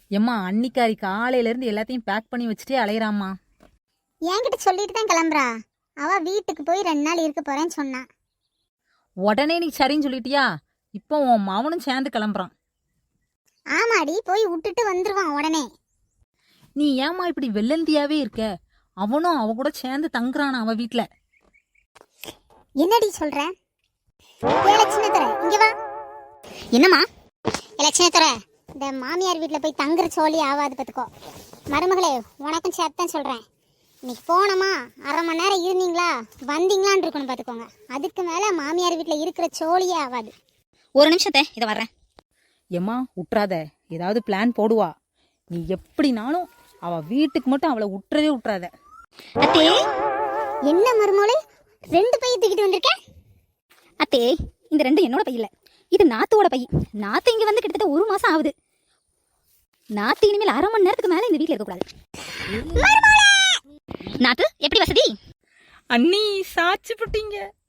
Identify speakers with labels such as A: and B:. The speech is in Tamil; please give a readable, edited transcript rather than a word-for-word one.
A: எம்மா அன்னிக்காரி காலையிலேருந்து எல்லாத்தையும் பேக் பண்ணி வச்சுட்டே அலையிறாம்மா.
B: என்கிட்ட சொல்லிட்டு தான் கிளம்புறா. அவ வீட்டுக்கு போய் 2 நாள் இருக்க போறேன்னு சொன்னா.
A: உடனே நீ சரின்னு சொல்லிட்டியா? இப்போ உன் மவனும் சேர்ந்து கிளம்புறான்.
B: ஆமாடி, போய் விட்டுட்டு வந்துருவான் உடனே.
A: நீ ஏம்மா இப்படி வெள்ளந்தியாவே இருக்க? அவனும் அவ கூட சேர்ந்து தங்குறான் அவ வீட்டுல.
B: என்னடி சொல்ற? லட்சுமித்தர இங்க வா. என்னம்மா? லட்சுமித்தர, இந்த மாமியார் வீட்டில் போய் தங்குற சோழி ஆகாது பார்த்துக்கோ. மருமகளே, உனக்கும் சேர்த்தான் சொல்கிறேன். இன்னைக்கு போனோமா 1/2 மணி நேரம் இருந்தீங்களா வந்தீங்களான்னு இருக்கணும் பார்த்துக்கோங்க. அதுக்கு மேலே மாமியார் வீட்டில் இருக்கிற சோழியே ஆகாது.
C: ஒரு நிமிஷத்தை இதை வர்றேன்.
A: எம்மா விட்றாத, ஏதாவது பிளான் போடுவா. நீ எப்படினாலும் அவ வீட்டுக்கு மட்டும் அவளை விட்டுறாத.
C: அத்தே,
B: என்ன மருமகளே 2 பைய தூக்கிட்டு வந்திருக்க?
C: அத்தே, இந்த 2 என்னோட பை இல்ல, இது நாத்தோட பை. நாத்து இங்க வந்து கிட்டத்தட்ட 1 மாசம் ஆகுது. நாத்து இனிமேல் 1/2 மணி நேரத்துக்கு மேல இந்த வீட்டுல இருக்கக்கூடாது. நாத்து எப்படி வசதி?
A: அண்ணி சாட்சி போட்டீங்க.